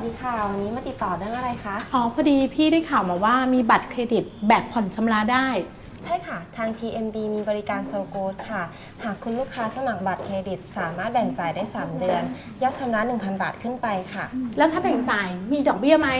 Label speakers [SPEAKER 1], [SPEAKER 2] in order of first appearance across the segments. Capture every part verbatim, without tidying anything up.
[SPEAKER 1] ดีค่ะวันนี้มาติดต่อเรื่องอะไรคะ
[SPEAKER 2] อ๋อพอดีพี่ได้ข่าวมาว่ามีบัตรเครดิตแบบผ่อนชำระได้
[SPEAKER 1] ใช่ค่ะทาง ที เอ็ม บี มีบริการโซโกดค่ะหากคุณลูกค้าสมัครบัตรเครดิตสามารถแบ่งจ่ายได้สามเดือนยอดชำระ หนึ่งพัน บาทขึ้นไปค่ะ
[SPEAKER 2] แล้วถ้าแบ่งจ่ายมีดอกเบี้ยไหม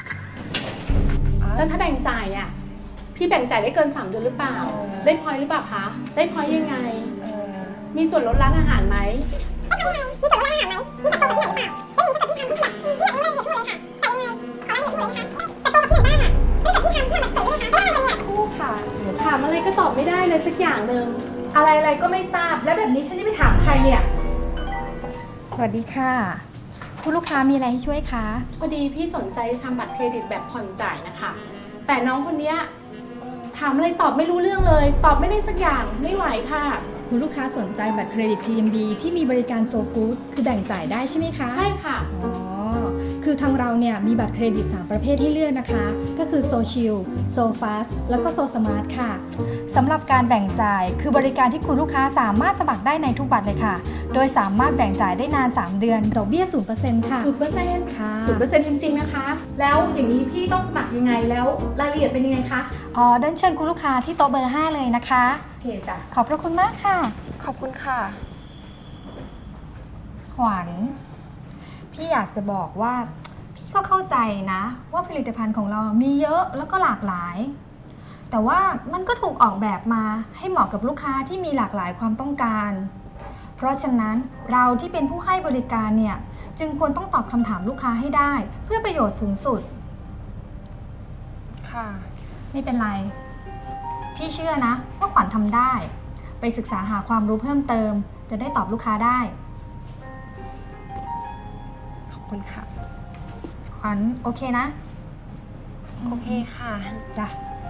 [SPEAKER 2] แล้วถ้าแบ่งจ่ายอ่ะพี่แบ่งจ่ายได้เกินสามเดือนหรือเปล่าได้พอยต์หรือเปล่าคะได้พอยต์ยังไงมีส่วนลดร้านอาหารไหม
[SPEAKER 3] มีส่วนลดร้านอาหารไหมมีบัตรโปรโมชั่นไหนเปล่าไม่มีแต่พี่ทำที่แบบพี่ยังไม่ละเอียดพูดเลยค่ะแต่ยังไงขอรายละเอียดพูดเลยนะคะแต่โปรกับที่ไหนบ้างอ่ะเนื่องจากพี่ทำที่แบบเสริมเลยนะคะไม่อะไรเนี่ย
[SPEAKER 1] คู่ค่ะ
[SPEAKER 2] ถามอะไรก็ตอบไม่ได้เลยสักอย่างหนึ่งอะไรอะไรก็ไม่ทราบและแบบนี้ฉันจะไปถามใครเนี่ย
[SPEAKER 4] สวัสดีค่ะคุณลูกค้ามีอะไรให้ช่วยคะ
[SPEAKER 2] พอดีพี่สนใจทำบัตรเครดิตแบบผ่อนจ่ายนะคะแต่น้องคนนี้ถามอะไรตอบไม่รู้เรื่องเลยตอบไม่ได้สักอย่างไม่ไหวค่ะ
[SPEAKER 4] คุณลูกค้าสนใจบัตรเครดิต ที เอ็ม บี ที่มีบริการโซกู๊ดคือแบ่งจ่ายได้ใช่ไหมคะ
[SPEAKER 2] ใช่ค่ะ
[SPEAKER 4] อ๋อคือทางเราเนี่ยมีบัตรเครดิตสามประเภทให้เลือกนะคะก็คือโซชิลโซฟาสแล้วก็โซสมาร์ทค่ะสำหรับการแบ่งจ่ายคือบริการที่คุณลูกค้าสามารถสมัครได้ในทุกบัตรเลยค่ะโดยสามารถแบ่งจ่ายได้นานสามเดือนดอกเบี้ย ศูนย์เปอร์เซ็นต์ ค่ะ
[SPEAKER 2] ศูนย์เปอร์เซ็นต์
[SPEAKER 4] ค่ะ
[SPEAKER 2] ศูนย์เปอร์เซ็นต์ จริงๆนะคะแล้วอย่างนี้พี่ต้องสมัครยังไงแล้วรายละเอียดเป็นยังไงคะ
[SPEAKER 4] อ๋อเดินเชิญคุณลูกค้าที่โต๊ะเบอร์ห้าเลยนะคะ
[SPEAKER 2] โอเคจ้ะ
[SPEAKER 4] ขอบพระคุณมากค่ะ
[SPEAKER 1] ขอบคุณค่ะ
[SPEAKER 4] ขวัญพี่อยากจะบอกว่าพี่ก็เข้าใจนะว่าผลิตภัณฑ์ของเรามีเยอะแล้วก็หลากหลายแต่ว่ามันก็ถูกออกแบบมาให้เหมาะกับลูกค้าที่มีหลากหลายความต้องการเพราะฉะนั้นเราที่เป็นผู้ให้บริการเนี่ยจึงควรต้องตอบคำถามลูกค้าให้ได้เพื่อประโยชน์สูงสุด
[SPEAKER 1] ค่ะ
[SPEAKER 4] ไม่เป็นไรพี่เชื่อนะว่าขวัญทำได้ไปศึกษาหาความรู้เพิ่มเติมจะได้ตอบลูกค้าได้
[SPEAKER 1] ขอบคุณค่ะ
[SPEAKER 4] ขวัญโอเคนะ
[SPEAKER 1] โอเคค่ะ
[SPEAKER 4] จ้ะ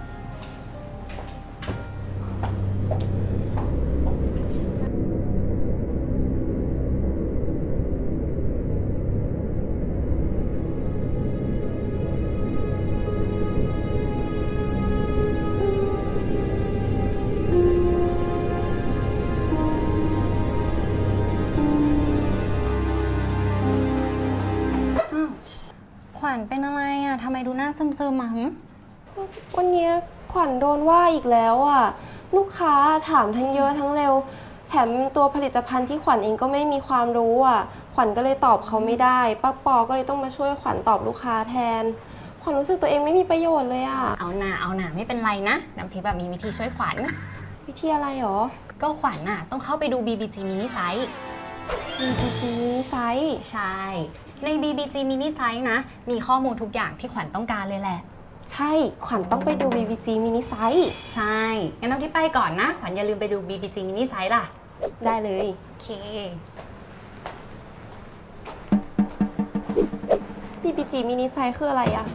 [SPEAKER 5] ขวัญเป็นอะไรอ่ะทำไมดูหน้าซึมๆอ่ะ
[SPEAKER 1] วันนี้ขวัญโดนว่าอีกแล้วอ่ะลูกค้าถามทั้งเยอะทั้งเร็วแถมตัวผลิตภัณฑ์ที่ขวัญเองก็ไม่มีความรู้อ่ะขวัญก็เลยตอบเขาไม่ได้ป้าปอก็เลยต้องมาช่วยขวัญตอบลูกค้าแทนขวัญรู้สึกตัวเองไม่มีประโยชน์เลยอ่ะ
[SPEAKER 5] เอาหน่าเอาหน่าไม่เป็นไรนะน้ำทิพย์แบบมีวิธีช่วยขวัญ
[SPEAKER 1] วิธีอะไรหรอ
[SPEAKER 5] ก็ขวัญน่ะต้องเข้าไปดู บี บี จี Mini Size
[SPEAKER 1] บี บี จี Mini Size
[SPEAKER 5] ใช่ใน บี บี จี Mini Size นะมีข้อมูลทุกอย่างที่ขวัญต้องการเลยแหละ
[SPEAKER 1] ใช่ขวัญต้องไปดู บี บี จี Mini Size
[SPEAKER 5] ใช่งั้นน้ำทิพย์ไปก่อนนะขวัญอย่าลืมไปดู บี บี จี Mini Size ล่ะ
[SPEAKER 1] ได้เลย
[SPEAKER 5] โอเค
[SPEAKER 1] บี บี จี Mini Size คืออะไรอะ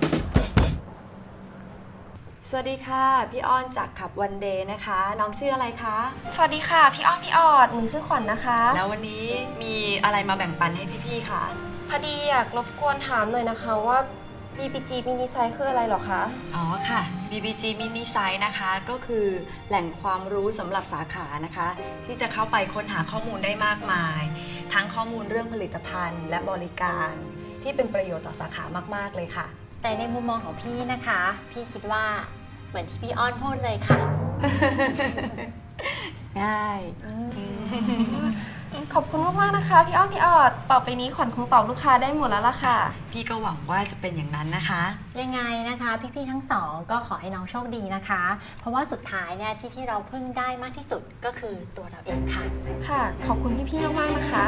[SPEAKER 6] สวัสดีค่ะพี่อ้อนจากขับวันเดย์นะคะน้องชื่ออะไรคะ
[SPEAKER 1] สวัสดีค่ะพี่อ้อนพี่ออดหนูชื่อขวัญ นะคะ
[SPEAKER 6] แล้ววันนี้มีอะไรมาแบ่งปันให้พี่ๆคะ
[SPEAKER 1] พอดีอยากรบกวนถามหน่อยนะคะว่า บี บี จี Mini Size คืออะไรหรอคะ
[SPEAKER 6] อ๋อค่ะ บี บี จี Mini Size นะคะก็คือแหล่งความรู้สำหรับสาขานะคะที่จะเข้าไปค้นหาข้อมูลได้มากมายทั้งข้อมูลเรื่องผลิตภัณฑ์และบริการที่เป็นประโยชน์ต่อสาขามากๆเลยค่ะ
[SPEAKER 5] แต่ในมุมมองของพี่นะคะพี่คิดว่าเหมือนที่พี่อ้อนพูดเลยค่ะ
[SPEAKER 6] ได้
[SPEAKER 1] ขอบคุณมากๆนะคะพี่อ้อนพี่ออดต่อไปนี้ขวัญคงตอบลูกค้าได้หมดแล้วล่ะค่ะ
[SPEAKER 6] พี่ก็หวังว่าจะเป็นอย่างนั้นนะคะ
[SPEAKER 5] ยังไงนะคะพี่ๆทั้งสองก็ขอให้น้องโชคดีนะคะเพราะว่าสุดท้ายเนี่ยที่ที่เราพึ่งได้มากที่สุดก็คือตัวเราเองค่ะ
[SPEAKER 1] ค่ะขอบคุณพี่ๆมากๆนะคะ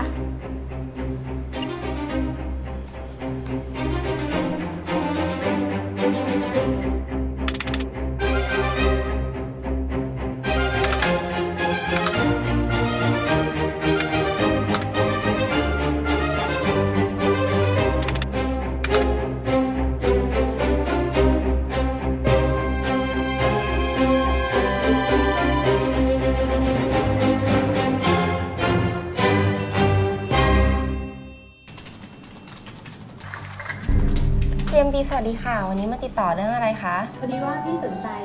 [SPEAKER 1] ที เอ็ม บี สวัสดีค่ะวันนี้มาติดต่อเรื่องอะไรคะ
[SPEAKER 2] พอดีว่าพี่สนใจ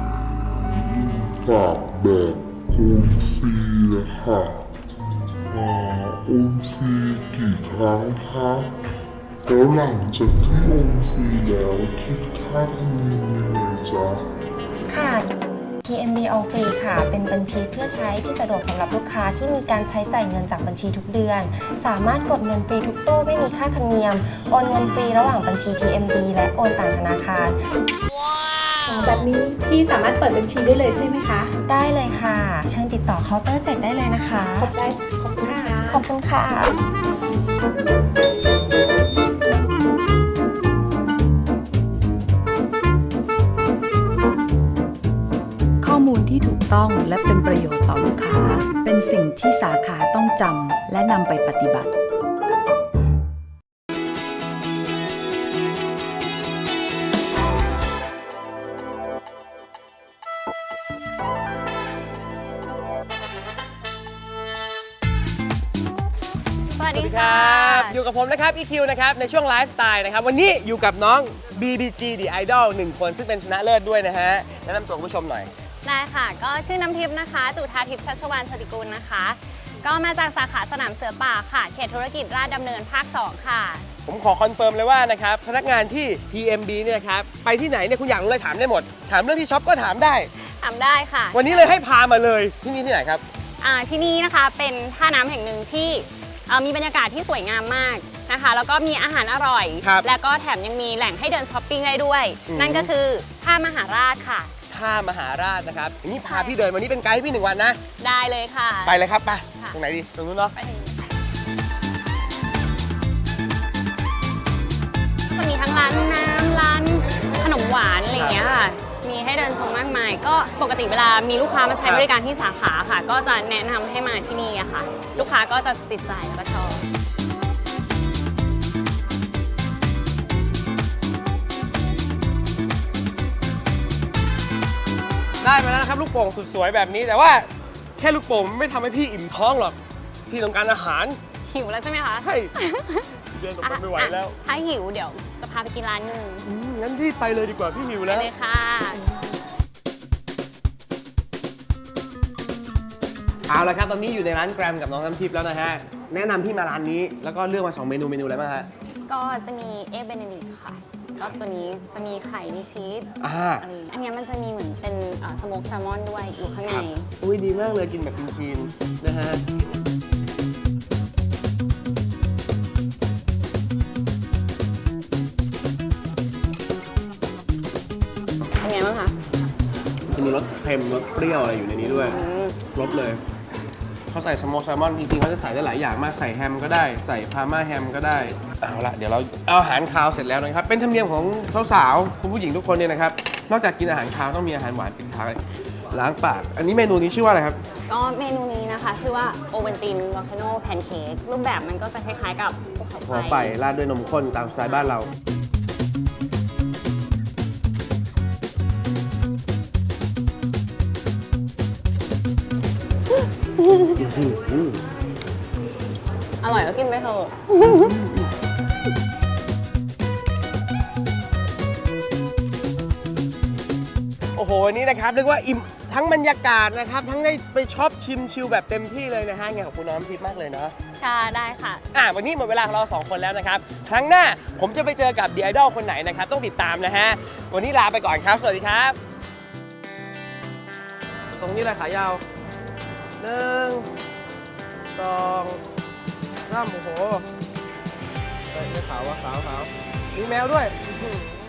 [SPEAKER 7] กับแบบโอนซีค่ะโอนซีกี่ครั้งคะแล้วหลังจากที่โอนฟรีแล้วคิดค่าธรรมเนียมยังไงจ๊ะ
[SPEAKER 1] ค่ะ ที เอ็ม บี All Free ค่ะ เป็นบัญชีเพื่อใช้ที่สะดวกสำหรับลูกค้าที่มีการใช้จ่ายเงินจากบัญชีทุกเดือน สามารถกดเงินฟรีทุกตู้ไม่มีค่าธรรมเนียม โอนเงินฟรีระหว่างบัญชี ที เอ็ม บี และโอนต่างธนาคาร
[SPEAKER 2] แบบนี้พี่สามารถเปิดบัญชีได้เลยใช่ไหมคะ
[SPEAKER 1] ได้เลยค่ะ เชิญติดต่อเคาน์เตอร์เจ็ดได้เลยนะคะ
[SPEAKER 2] ขอบได้จ้ะขอบคุณค่ะ
[SPEAKER 1] ขอบคุณค่ะ
[SPEAKER 6] ข้อมูลที่ถูกต้องและเป็นประโยชน์ต่อลูกค้า เป็นสิ่งที่สาขาต้องจำและนำไปปฏิบัติ
[SPEAKER 4] สวัส
[SPEAKER 8] สวัส
[SPEAKER 4] ดี
[SPEAKER 8] ดีค
[SPEAKER 4] ค่ะ
[SPEAKER 8] รับ อยู่กับผมนะครับ อี คิว นะครับในช่วงไลฟ์สไตล์นะครับวันนี้อยู่กับน้อง บี บี จี The Idol หนึ่งคนซึ่งเป็นชนะเลิศด้วยนะฮะแนะนำตัวคุณผู้ชมหน่อย
[SPEAKER 9] ได้ค่ะ ก็ชื่อน้ำทิพย์นะคะ จุธาทิพย์ชัชวานชติกุลนะคะ ก็มาจากสาขาสนามเสือป่าค่ะ เขตธุรกิจราชดำเนินภาค สอง ค่ะ
[SPEAKER 8] ผมขอคอนเฟิร์มเลยว่านะครับพนักงานที่ ที เอ็ม บี เนี่ยครับไปที่ไหนเนี่ยคุณอยากรู้อะไรถามได้หมด ถามเรื่องที่ช็อปก็ถามได้
[SPEAKER 9] ทำได้ค่ะ
[SPEAKER 8] วันนี้เลยให้พามาเลยที่นี่ที่ไหนครับ
[SPEAKER 9] อ่าที่นี่นะคะเป็นท่าน้ำแห่งหนึ่งที่เอ่อมีบรรยากาศที่สวยงามมากนะคะ แล้วก็มีอาหารอร่อย
[SPEAKER 8] ครับ
[SPEAKER 9] แล้วก็แถมยังมีแหล่งให้เดินช้อปปิ้งได้ด้วย
[SPEAKER 8] อืม
[SPEAKER 9] นั่นก็คือท่ามหาราชค่ะ
[SPEAKER 8] ท่ามหาราชนะครับอย่างนี้พาพี่เดินวันนี้เป็นไกด์ให้พี่หนึ่งวันนะ
[SPEAKER 9] ได้เลยค่ะ
[SPEAKER 8] ไปเลยครับไป
[SPEAKER 9] ค่ะ
[SPEAKER 8] ตรงไหนดีตรงนู้นเนาะ
[SPEAKER 9] ไปถึงจะมีทั้งร้านน้ำร้านขนมหวานอะไรอย่างเงี้ยค่ะ มีให้เดินชมมากมาย ก็ปกติเวลามีลูกค้ามาใช้บริการที่สาขาค่ะ ก็จะแนะนำให้มาที่นี่อะค่ะ ลูกค้าก็จะติดใจแล้วก็ชอบ
[SPEAKER 8] ได้มาแล้วนะครับลูกโป่งสุดสวยแบบนี้แต่ว่าแค่ลูกโป่งไม่ทำให้พี่อิ่มท้องหรอกพี่ต้องการอาหาร
[SPEAKER 9] หิวแล้วใช่ไหมคะ
[SPEAKER 8] ใช่เดินออกไปไม่ไหวแล้ว
[SPEAKER 9] อ่ะถ้าหิวเดี๋ยวจะพาไปกินร้านนึง
[SPEAKER 8] อืมงั้นพี่ไปเลยดีกว่าพี่หิว
[SPEAKER 9] ไป
[SPEAKER 8] แล้ว
[SPEAKER 9] เลยค่ะ
[SPEAKER 8] เอาละครับตอนนี้อยู่ในร้านแกรมกับน้องน้ำทิพย์แล้วนะฮะแนะนำพี่มาร้านนี้แล้วก็เลือกมาสองเมนูเมนูอะไรบ้างฮะ
[SPEAKER 9] ก็จะมีเอ็กเบเนดิกค่ะ ก็ตัวนี้จะมีไข่ มีชีส
[SPEAKER 8] อ่า
[SPEAKER 9] อะไรอย่างเงี้ยอันเนี้ยมันจะมีเหมือนเป็นสโมกแซลมอนด้วยอยู่ข้างใน
[SPEAKER 8] อุ้ยดีมากเลยกินแบบคลีนๆนะฮะ
[SPEAKER 9] เป็นไงบ้างคะ
[SPEAKER 8] มันจะมีรสเค็มรสเปรี้ยวอะไรอยู่ในนี้ด้วย
[SPEAKER 9] อืม
[SPEAKER 8] ครบเลยเขาใส่สโมกแซลมอนจริงๆเขาจะใส่ได้หลายอย่างมากใส่แฮมก็ได้ใส่พาร์มาแฮมก็ได้เอาละเดี๋ยวเราเอาอาหารคาวเสร็จแล้วนะครับเป็นธรรมเนียมของสาวๆคุณผู้หญิงทุกคนเนี่ยนะครับนอกจากกินอาหารคาวต้องมีอาหารหวานปิดท้ายล้างปาก อันนี้เมนูนี้ชื่อว่าอะไรครับ
[SPEAKER 9] ก็เมนูนี้นะคะ ชื่อว่าโอเวนตินวอลคาโนแพนเค้กรูปแบบมันก็จะคล้ายๆกับภูเขา
[SPEAKER 8] หัว
[SPEAKER 9] ไฟ
[SPEAKER 8] ไฟราดด้วยนมข้นตามสไตล์บ้านเราอืม
[SPEAKER 9] อร่อยก็กินไปเถอะ
[SPEAKER 8] โอ้โหวันนี้นะครับเรียกว่าอิ่มทั้งบรรยากาศนะครับทั้งได้ไปช็อปชิมชิลแบบเต็มที่เลยนะฮะไงขอบคุณน้องน้ำทิพย์มากเลยเนาะ
[SPEAKER 9] ค่ะได้ค่ะ
[SPEAKER 8] อ่ะวันนี้หมดเวลาของเราสองคนแล้วนะครับ ครั้งหน้าผมจะไปเจอกับ The Idol คนไหนนะครับ ต้องติดตามนะฮะ วันนี้ลาไปก่อนครับ สวัสดีครับตรงนี้แหละขายาวหนึ่งสองสามโอ้โหเฮ้ยไม่ขาววะขาวขาวมีแมวด้วยอื้อหือ